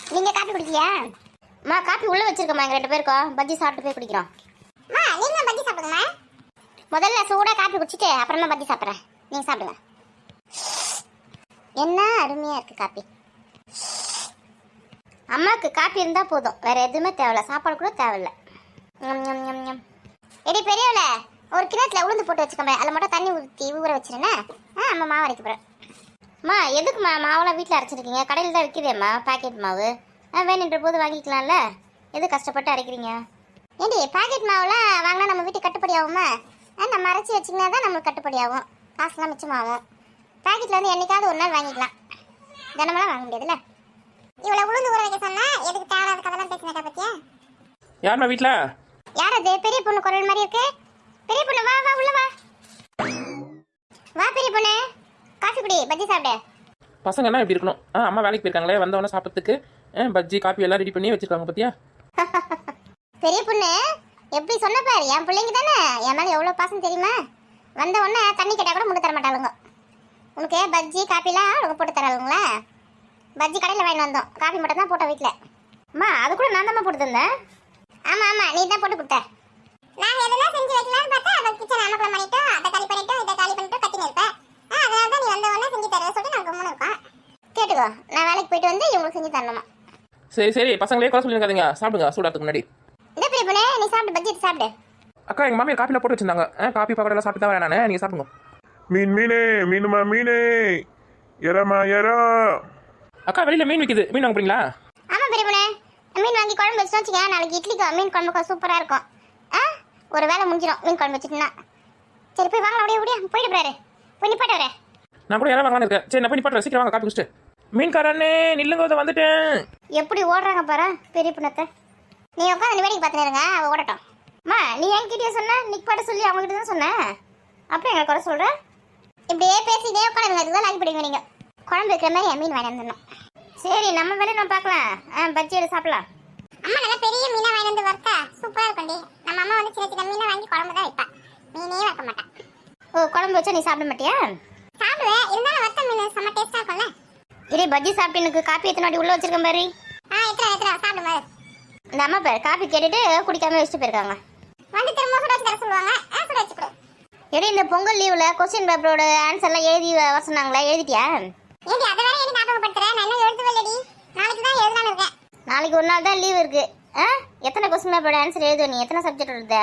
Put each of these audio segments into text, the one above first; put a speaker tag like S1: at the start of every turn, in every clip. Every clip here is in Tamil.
S1: நீங்க காப்பி குடிக்கியா? அம்மா காப்பி உள்ள வச்சிருக்கோம்மா, எங்க 2 பேருக்கும் பஜ்ஜி சாப்பிட்டு போய் குடிக்கிறோம். அம்மா நீங்க பஜ்ஜி சாப்பிடுங்க. முதல்ல சூடா காப்பி குடிச்சிட்டு அப்புறமா பஜ்ஜி சாப்பிட்றேன். நீங்க சாப்பிடுங்க. என்ன அருமையா இருக்கு காப்பி. அம்மாவுக்கு காப்பி இருந்தா போதும், வேற எதுவுமே தேவையில்ல, சாப்பாடு கூட தேவையில்ல. எடி பெரியவள, ஒரு கிணத்துல உளுந்து போட்டு வச்சுக்கோமே, அதில் மட்டும் தண்ணி ஊற்றி ஊற வச்சிருந்தே. அம்மா மாவு அரைக்க போறேன். அம்மா எதுக்குமா மாவெல்லாம் வீட்டில் அரைச்சிருக்கீங்க? கடையில் தான் விற்கிறேம்மா பாக்கெட் மாவு. வேணுன்ற போது வாங்கிக்கலாம்ல, எது கஷ்டப்பட்டு அரைக்கிறீங்க? ஏண்டி பாக்கெட் மாவுலாம் வாங்கினா நம்ம வீட்டுக்கு கட்டுப்படி ஆகுமா? நம்ம அரைச்சி வச்சிங்கன்னா தான் நம்மளுக்கு கட்டுப்படி ஆகும், காசுலாம் மிச்சமாகும். பாக்கெட்டில் வந்து என்னைக்காவது ஒரு நாள் வாங்கிக்கலாம், தினமெல்லாம் வாங்க முடியாதுல்ல. இவ்வளோ உளுந்து ஊற வைக்க சொன்னா எதுக்கு தேவையான கதெல்லாம் பேசினக்கா பத்தியா?
S2: யாருமா வீட்டில்?
S1: யார் அது? பெரிய பொண்ணு குரல் மாதிரி இருக்கு. பெரிய பொண்ணு வா வா உள்ள வா. வா பெரிய பொண்ணு, காஃபி குடி, பஜ்ஜி சாப்பிடு.
S2: பசங்க என்ன இப்படி இருக்கணும்? அம்மா வேலைக்கு போயிருக்காங்களே, வந்தவொடனே சாப்பிட்றதுக்கு பஜ்ஜி காப்பி எல்லாம் ரெடி பண்ணி வச்சிருக்காங்க பத்தியா?
S1: பெரிய பொண்ணு எப்படி சொன்ன பாரு, என் பிள்ளைங்க தானே, என் மேலே எவ்வளோ பாசம் தெரியுமா? வந்த உடனே தண்ணி கேட்டால் கூட முட்டு தர மாட்டாளுங்க. உனக்கு பஜ்ஜி காப்பிலாம் அவங்க போட்டு தராளுங்களா? பஜ்ஜி கடையில் வாங்கிட்டு வந்தோம், காஃபி மட்டும் தான் போட்டோம் வீட்டில். அம்மா அது கூட நான் தான் போட்டு தந்தேன். ஆமாம் ஆமாம், நீ தான் போட்டு கொடுத்த. நாங்கள் எதனா செஞ்சு வைக்கலாம்னு பார்த்தா அவள் கிச்சன் அமக்கலம் பண்ணிட்டோம், அதை காலி பண்ணிட்டோம், இதை காலி பண்ணிட்டு கத்தின்னு இருப்பேன். அதனால தான் நீ வந்த உடனே செஞ்சு தர சொல்லிட்டு நாங்கள் கம்முன்னு இருக்கோம். கேட்டுக்கோ, நான் வேலைக்கு போயிட்டு வந்து இவங்களுக்கு செஞ்சு தரணுமா?
S2: சரி சரி, பசங்களே குறை சொல்லியிருக்காதீங்க, சாப்பிடுங்க சூடாத்துக்கு முன்னாடி.
S1: இந்த பெரிய பொண்ணு நீ சாப்பிட்டு பஜ்ஜி சாப்பிடு.
S2: அக்கா எங்கள் மாமியார் காப்பியில் போட்டு வச்சிருந்தாங்க, காப்பி பக்கத்தில் சாப்பிட்டு தான் வரேன் நான், நீங்கள் சாப்பிடுங்க.
S3: மீனே மீனுமா மீனே, எறமா எறா.
S2: அக்கா வெளியில் மீன் விற்கிது, மீன் வாங்க போறீங்களா?
S1: ஆமாம் பெரிய பொண்ணு, மீன் வாங்கி குழம்பு வச்சுட்டு வச்சுக்கேன், நாளைக்கு இட்லிக்கு மீன் குழம்புக்கு சூப்பராக இருக்கும். ஒரு வேலை முடிஞ்சிடும் மீன் குழம்பு வச்சுட்டுனா. சரி போய் வாங்கலாம், அப்படியே அப்படியே போயிட்டு போறாரு, போய் நிப்பாட்டு வரேன்.
S2: நான் கூட யாரும் வாங்கலான்னு இருக்கேன். சரி நான் போய் நிப்பாட்டுறேன், சீக்கிரம் வாங்க காப்பி குடிச்சிட்டு. மீன்காரண்ணே நில்லுங்க, வந்துட்டேன்.
S1: எப்படி ஓடுறாங்க பாரு பெரிய பொண்ணத்தை. நீ உட்காந்து வேடிக்கை பார்த்துருங்க, அவள் ஓடட்டும். அம்மா நீ என்கிட்டயே சொன்ன, நிப்பாட்ட சொல்லி அவங்ககிட்ட தான் சொன்னேன், அப்புறம் எங்களை குறை சொல்கிற. இப்படியே பேசிக்கிட்டே உட்காந்துங்க, அதுதான் லாக்கி படிங்க நீங்கள். குழம்பு வைக்கிற மாதிரி என் மீன் வாங்கி வந்துடணும். சரி நம்ம வேலையை நம்ம பார்க்கலாம், பஜ்ஜி எடுத்து சாப்பிடலாம். அம்மா நல்லா பெரிய மீனாக வாங்கி வந்து வறுத்தா சூப்பராக இருக்கும்டி. நம்ம அம்மா வந்து சின்ன சின்ன மீனை வாங்கி குழம்பு தான் வைப்பா, மீனே வைக்க மாட்டான். ஓ குழம்பு வச்சா நீ சாப்பிட மாட்டியா? சாப்பிடுவேன், இருந்தாலும் வறுத்த மீன் செம்ம டேஸ்ட்டாக இருக்கும்ல. இதே பஜ்ஜி சாப்பிட்டு எனக்கு காப்பி எத்தனை உள்ள வச்சிருக்கேன் பாரு. எத்தனை சாப்பிடும் பாரு. இந்த அம்மா பேர் காப்பி கேட்டுட்டு குடிக்காம வச்சுட்டு போயிருக்காங்க. வந்து திரும்ப சுட வச்சு தர சொல்லுவாங்க, சுட வச்சு கொடு. எடி இந்த பொங்கல் லீவில் கொஸ்டின் பேப்பரோட ஆன்சர்லாம் எழுதி வர சொன்னாங்களா, எழுதிட்டியா? ஏடி அதை வேற எழுதி ஞாபகப்படுத்துறேன், நான் இன்னும் எழுதவே இல்லடி, நாளைக்கு தான் எழுதலான்னு இருக்கேன். நாளைக்கு ஒரு நாள் தான் லீவ் இருக்கு. எத்தனை கொஸ்டின் பேப்பரோட ஆன்சர் எழுதுவ நீ? எத்தனை சப்ஜெக்ட் எழுத?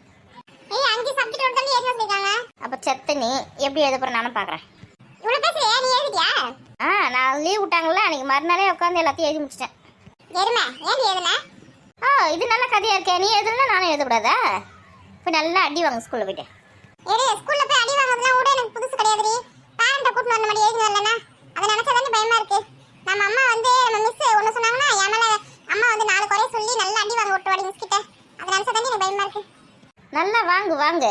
S1: 5 சப்ஜெக்ட் எழுதி எழுத சொல்லிருக்காங்க. அப்ப செத்த நீ எப்படி எழுத போற நானும் பாக்குறேன். இவ்வளவு பேசுறியா, நீ எழுதிட்டியா? நான் லீவ் விட்டாங்கல்ல, அன்னைக்கு மறுநாளே உட்காந்து எல்லாத்தையும் எழுதி முடிச்சிட்டேன். எருமை ஏன் எழுதுன? இது நல்ல கதையா இருக்கே, நீ எழுதுனா நானும் எழுதக்கூடாதா? போய் நல்லா அடி வாங்க ஸ்கூல்ல போயிட்டு. ஸ்கூல்ல போய் அடி வாங்குறதுலாம் கூட எனக்கு புதுசு கிடையாதுடி. பேரண்ட்டை கூட்டிட்டு வந்த மாதிரி எழுதி வரலன்னா அதை நினைச்சா தானே பயமா இருக்கு. நம்ம அம்மா வந்து நம்ம மிஸ் ஒன்று சொன்னாங்கன்னா என் மேலே அம்மா வந்து 4 குறைய சொல்லி நல்லா அடி வாங்க விட்டு வாடி மிஸ் கிட்ட, அதை நினைச்சா தானே எனக்கு பயமா இருக்கு. நல்லா வாங்கு வாங்கு.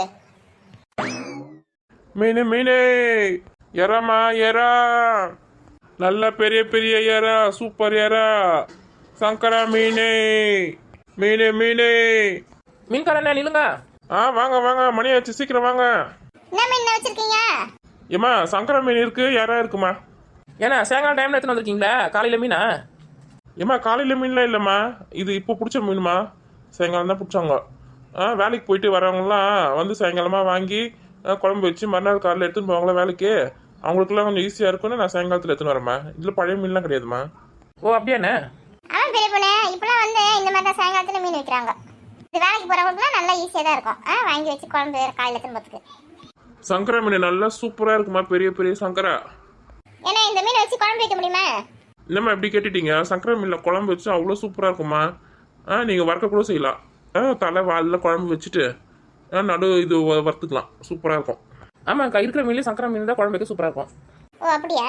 S3: மீனு மீனே, எறமா எறா, நல்ல பெரிய பெரிய எறா, சூப்பர் எறா, சங்கரா மீனே, மீனே மீனே.
S2: மீன்காரண்ணே நில்லுங்க.
S3: வாங்க வாங்க, மணி ஆச்சு, சீக்கிரம் வாங்க.
S1: என்ன மீன் வச்சிருக்கீங்க?
S3: ஏம்மா சங்கரா மீன் இருக்கு, எறா இருக்குமா?
S2: ஏன்னா சாயங்காலம் டைமில் எடுத்துன்னு வந்திருக்கீங்களா? காலையில் மீனா?
S3: ஏம்மா காலையில் மீன்லாம் இல்லைம்மா, இது இப்போ பிடிச்ச மீனுமா, சாயங்காலம் தான் பிடிச்சாங்க. வேலைக்கு போயிட்டு வரவங்களாம் வந்து சாயங்காலமாக வாங்கி குழம்பு வச்சு மறுநாள் காலையில் எடுத்துன்னு போவாங்களா வேலைக்கு, அவங்களுக்குலாம் கொஞ்சம் ஈஸியாக இருக்கும்னு நான் சாயங்காலத்தில் எடுத்துன்னு வரேம்மா. இதில் பழைய மீன்லாம் கிடையாதுமா.
S2: ஓ அப்படியாண்ணே?
S1: பெரிய பொண்ணு இப்பெல்லாம் வந்து இந்த மாதிரி தான் சாயங்காலத்தில் மீன் வைக்கிறாங்க. இது வேலைக்கு போகிறவங்களுக்குலாம் நல்லா ஈஸியாக தான் இருக்கும், வாங்கி வச்சு குழம்பு காலையில் திரும்பத்துக்கு.
S3: சங்கரா மீன் நல்லா சூப்பராக இருக்குமா, பெரிய பெரிய சங்கரா.
S1: ஏன்னா இந்த மீன் வச்சு குழம்பு வைக்க முடியுமா?
S3: என்னம்மா எப்படி கேட்டுட்டீங்க, சங்கரா மீனில் குழம்பு வச்சு அவ்வளோ சூப்பராக இருக்குமா. நீங்கள் வறுக்க கூட செய்யலாம், தலை வாலில் குழம்பு வச்சுட்டு நடு இது வறுத்துக்கலாம், சூப்பராக இருக்கும்.
S2: ஆமாக்கா, இருக்கிற மீன்லேயே சங்கரா மீன் தான் குழம்பு வைக்க சூப்பராக இருக்கும்.
S1: ஓ அப்படியா,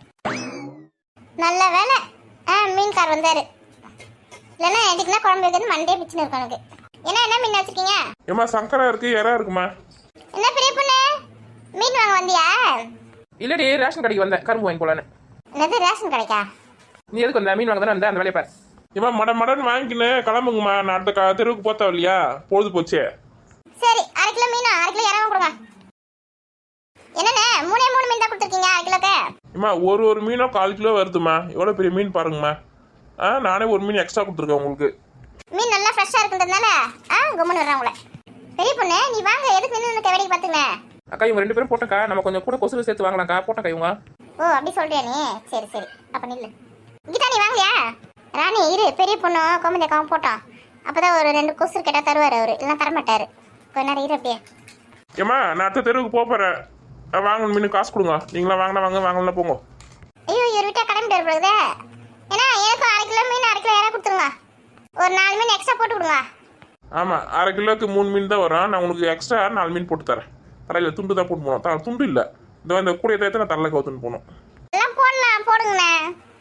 S1: நல்ல வேலை மீன்கார் வந்தாரு, இல்லைன்னா எதுக்குன்னா குழம்பு வைக்கிறது மண்டே பிச்சுன்னு இருக்கும் எனக்கு. என்ன மீன் வச்சிருக்கீங்க?
S3: ஏம்மா சங்கரா இருக்கு, எறா இருக்குமா.
S1: என்ன பெரிய பொண்ணு மீன் வாங்க வந்தியா?
S2: இல்லடி, ரேஷன் கடைக்கு வந்தேன், கரும்பு வாங்கி போலான்னு.
S1: என்னது ரேஷன் கடைக்கா?
S2: நீ எதுக்கு வந்த? மீன் வாங்க தானே வந்தேன், அந்த வேலையை பாரு.
S3: ஏம்மா மடன்னு வாங்கிக்கின்னு கிளம்புங்கம்மா, நான் அடுத்த தெருவுக்கு போத்தா இல்லையா, பொழுது போச்சு.
S1: சரி 1/2 கிலோ மீன் 1/2 கிலோ இறங்க கொடுங்க. என்னண்ணே 3 மீன் தான் கொடுத்துருக்கீங்க 1/2 கிலோக்கு?
S3: ஏம்மா ஒரு மீனோ 1/4 கிலோ வருதுமா, எவ்வளோ பெரிய மீன் பாருங்கம்மா. நானே ஒரு மீன் எக்ஸ்ட்ரா கொடுத்துருக்கேன் உங்களுக்கு.
S1: மீன் நல்லா ஃப்ரெஷ்ஷாக இருக்குன்றதுனால கும்மன் வர்றேன் உங்களை. பெரிய பொண்ணு நீ வாங்க, எதுக்கு நின்று வேடிக்கை பார்த்துங்க.
S2: அக்கா இவங்க 2 பேரும் போட்டக்கா, நம்ம கொஞ்சம் கூட கொசுறு சேர்த்து வாங்கலாம்க்கா. போட்டக்கா இவங்க.
S1: ஓ அப்படி சொல்றியா நீ? சரி சரி, அப்போ நில்லு. கீதா நீ வாங்கலையா? ராணி இரு, பெரிய பொண்ணு கோமதி அக்காவும் போட்டோம். அப்போதான் ஒரு 2 கொசு கேட்டால் தருவார் அவர், இல்லைன்னா தரமாட்டார். கொஞ்ச நேரம் இரு அப்படியே.
S3: ஏம்மா நான் அடுத்த தெருவுக்கு போகிறேன். வாங்கணும் மீன் காசு கொடுங்க. நீங்களாம் வாங்கினா வாங்க, வாங்கலாம் போங்க.
S1: ஐயோ இவர் விட்டா கிளம்பிட்டு வருது. ஏன்னா எனக்கும் 1/2 கிலோ மீன் 1/2 கிலோ யாராவது கொடுத்துருங்க. ஒரு 4 மீன் எக்ஸ்ட்ரா போட்டு கொடுங்க.
S3: ஆமாம் 1/2 கிலோக்கு 3 மீன் தான் வரும். நான் உங்களுக்கு எக்ஸ்ட்ரா 4 மீன் போட்டு தரேன். தரையில் துண்டு தான் போட்டு போகணும். துண்டு இல்லை, இந்த கூடிய தேர்த்து நான் தரல கவுத்துன்னு போகணும்.
S1: எல்லாம் போடலாம், போடுங்கண்ணே.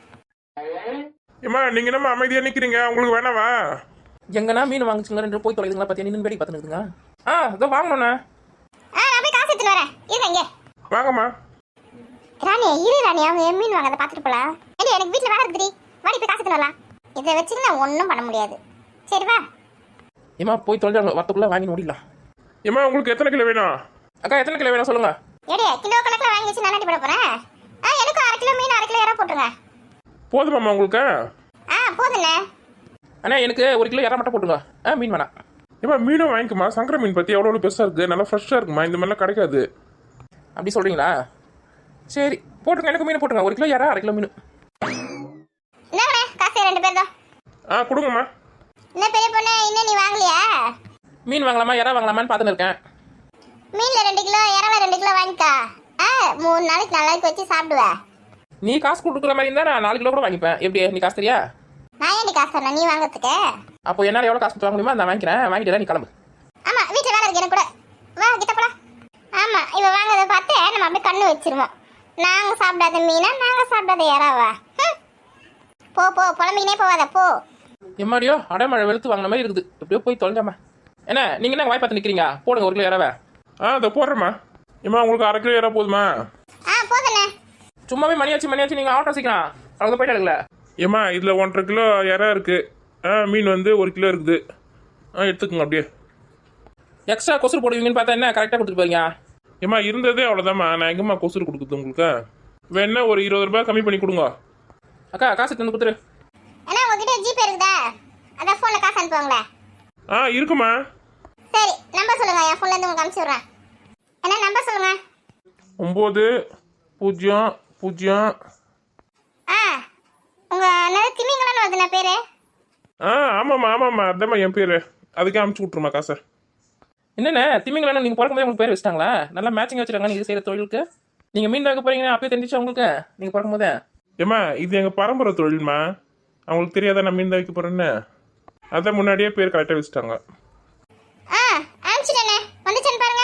S3: ஏம்மா நீங்கள் என்னம்மா அமைதியாக நிற்கிறீங்க? உங்களுக்கு வேணாவா?
S2: எங்கன்னா மீன் வாங்கிச்சுங்களா 2 போய் தொலைதுங்களா பார்த்தியா? நின்று வேடிக்கை பார்த்துனுக்குதுங்க. இதோ வாங்கணுண்ணே.
S1: நான் போய் காசு எடுத்துன்னு வரேன். இருங்க இங்கே.
S3: வாங்கம்மா.
S1: ராணி இரு ராணி, அவங்க என் மீன் வாங்க, அதை பார்த்துட்டு போகலாம். ஏடி எனக்கு வீட்டில் வேலை இருக்குடி, வாடி போய் காசு எடுத்துன்னு வரலாம். இதை வச்சுட்டு நான் ஒன்றும் பண்ண முடியாது. சரி வா.
S2: ஏமா போய் தொலைஞ்சாங்க, வரத்துக்குள்ளே வாங்கி ஓடிடலாம்.
S3: ஏம்மா உங்களுக்கு எத்தனை கிலோ வேணும்?
S2: அக்கா எத்தனை கிலோ வேணும் சொல்லுங்க.
S1: ஏடி கிலோ கணக்கில் வாங்கி வச்சு நான் போட போகிறேன். எனக்கும் 1/2 கிலோ மீன் 1/2 கிலோ யாரா போட்டுருங்க.
S3: போதுமாம்மா உங்களுக்கு?
S1: போதுண்ணே.
S2: அண்ணா எனக்கு 1 கிலோ இறா மட்டும் போட்டுங்க. மீன் வேணாம்.
S3: ஏம்மா மீனும் வாங்கிக்குமா. சங்கர மீன் பற்றி எவ்வளோ பெருசாக இருக்குது, நல்லா ஃப்ரெஷ்ஷாக இருக்குமா. இந்த மாதிரிலாம் கிடைக்காது.
S2: அப்படி சொல்கிறீங்களா? சரி போட்டுருங்க, எனக்கு மீன் போட்டுருங்க. 1 கிலோ இறா 1/2 கிலோ மீன்.
S1: என்னண்ணே காசு 2 பேர் தான்.
S3: கொடுங்கம்மா.
S1: என்ன பெரிய பொண்ணு இன்னும் நீ வாங்கலையா?
S2: மீன் வாங்கலாமா இறா வாங்கலாமான்னு பார்த்துன்னு இருக்கேன்.
S1: மீனில் 2 கிலோ இறால 2 கிலோ வாங்கிக்கா. 3 நாளைக்கு 4 நாளைக்கு வச்சு சாப்பிடுவேன்.
S2: நீ காசு கொடுக்குற மாதிரி இருந்தால் நான் 4 கிலோ கூட வாங்கிப்பேன். எப்படி நீ காசு தெரியா?
S1: நான் ஏன் காசு தரணும் நீ வாங்குறதுக்கு?
S2: அப்போ என்னால் எவ்வளோ காசு கொடுத்து வாங்க முடியுமோ நான் வாங்கிக்கிறேன். வாங்கிட்டு நீ கிளம்பு.
S1: ஆமாம் வீட்டில் வேலை இருக்கு எனக்கு கூட. வா கிட்ட போலாம். ஆமாம் இவ வாங்குறத பார்த்து நம்ம அப்படியே கண்ணு வச்சிருவோம். நாங்கள் சாப்பிடாத மீனா, நாங்கள் சாப்பிடாத இறாவா? போ போ, புலம்பிக்கினே போவாத போ.
S2: எம்மாடியோ அடைமழை வெளுத்து வாங்கின மாதிரி இருக்குது. எப்படியோ போய் தொலைஞ்சாமா. என்ன நீங்கள் என்ன வாய் பார்த்து நிற்கிறீங்க? போடுங்க 1 கிலோ இறாவை.
S3: அதை போடுறேம்மா. ஏம்மா உங்களுக்கு 1/2 கிலோ இறா போதுமா?
S1: போதுண்ணே.
S2: சும்மாவே மணியாச்சு நீங்கள் ஆட்டோ சீக்கிரம் அவ்வளோ போயிட்டு எடுக்கல.
S3: ஏம்மா இதில் 1/2 கிலோ இறா இருக்குது. மீன் வந்து 1 கிலோ இருக்குது. எடுத்துக்கோங்க அப்படியே.
S2: எக்ஸ்ட்ரா கொசுறு போடுவீங்கன்னு பார்த்தா என்ன கரெக்டாக கொடுத்துட்டு போறீங்க.
S3: ஏம்மா இருந்ததே அவ்வளோதாம்மா. நான் எங்கம்மா கொசுறு கொடுக்குறது உங்களுக்கு? வேணா ஒரு 20 ரூபாய் கம்மி பண்ணி கொடுங்க.
S2: அக்கா காசு தந்து கொடுத்துரு.
S1: ஏன்னா உங்ககிட்ட ஜிபே இருக்குதா? அதான் ஃபோனில் காசு அனுப்புவாங்களே.
S3: இருக்குமா.
S1: சரி நம்பர் சொல்லுங்க, என் ஃபோன்லேருந்து உங்களுக்கு அனுப்பிச்சி விட்றேன். என்ன நம்பர் சொல்லுங்க.
S3: 9000.
S1: உங்கள் நிறைய திமிங்கலான்னு வருதுண்ணா பேர்.
S3: ஆமாம்மா அதாம்மா என் பேர். அதுக்கே அனுப்பிச்சி விட்ருமா காசை.
S2: என்னென்ன திமிங்கலாம் நீங்கள் பிறக்கும்போது உங்களுக்கு பேர் வச்சுட்டாங்களா? நல்லா மேட்சிங் வச்சுருக்காங்க நீங்கள் செய்கிற தொழிலுக்கு. நீங்கள் மீன் வைக்க போகிறீங்கன்னா அப்பயே தெரிஞ்சிச்சு உங்களுக்கு நீங்கள் பிறக்கும்போதே?
S3: ஏம்மா இது எங்கள் பரம்பரை தொழில்மா. அவங்களுக்கு தெரியாதா நான் மீன் தான் வைக்க போகிறேன்னு? அதான் முன்னாடியே பேர் கரெக்டாக வச்சுட்டாங்க.
S1: அனுப்பிச்சிட்டேண்ணே. வந்துச்சுன்னு பாருங்க.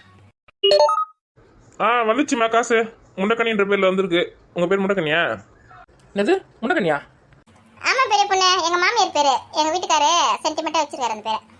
S3: வந்துச்சுமா காசு. முண்டக்கணின்ற பேரில் வந்திருக்கு. உங்கள் பேர் முண்டக்கணியா?
S2: என்னது முண்டக்கண்ணியா?
S1: ஆமாம் பெரிய பொண்ணு, எங்கள் மாமியார் பேர். எங்கள் வீட்டுக்காரு சென்டிமெண்ட்டாக வச்சிருக்காரு அந்த பேரை.